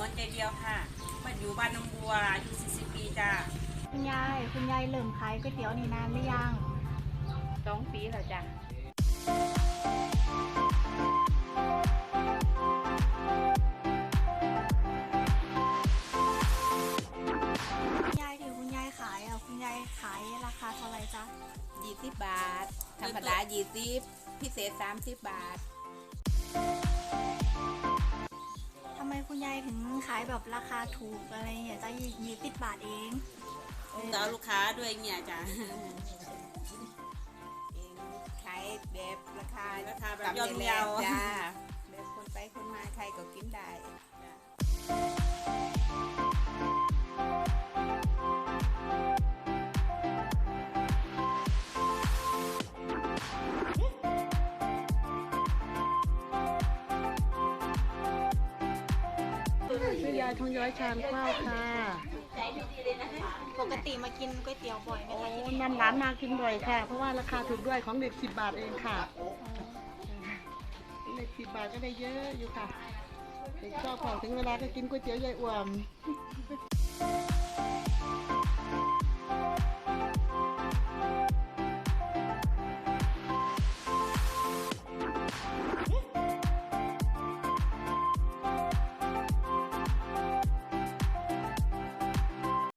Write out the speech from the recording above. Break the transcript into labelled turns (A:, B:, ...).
A: อนใจเดียวค่ะมาอยู่บ้านน้องบัวอายุ40 ปีจ้า
B: คุณยายเริ่มขายก๋วยเตี๋ยวนี่นานหรือยัง
A: 2 ปีแล้วจ้า
B: คุณยายที่คุณยายขายคุณยายขายราคาเท่าไหร่จ๊ะ
C: 20 บาทธรรมดา20พิเศษ30 บาท
B: ทำไมคุณยายถึงขายแบบราคาถูกอะไรเนี่ยจ๊ะ20 บาทเอง
A: ต่อลูกค้าด้วยเนี่ยจ้า
C: ขายแบบราคา
A: แบบย่อมเยา
C: จ้าแบบคนไปคนมาใครก็กินได้
D: ชื่อยายทองย้อยชานข้าวค่ะ
B: ปกติมากินก๋วยเตี๋ยวบ่อยไหม
D: โอ้
B: คะที่นี่
D: นำร้านมากินบ่อยค่ะ เพราะว่าราคาถูกด้วยของเด็ก10 บาทเองค่ะเด็ก10 บาทก็ได้เยอะอยู่ค่ะเด็กชอบของถึงเวลาก็กินก๋วยเตี๋ยวยายอ่วม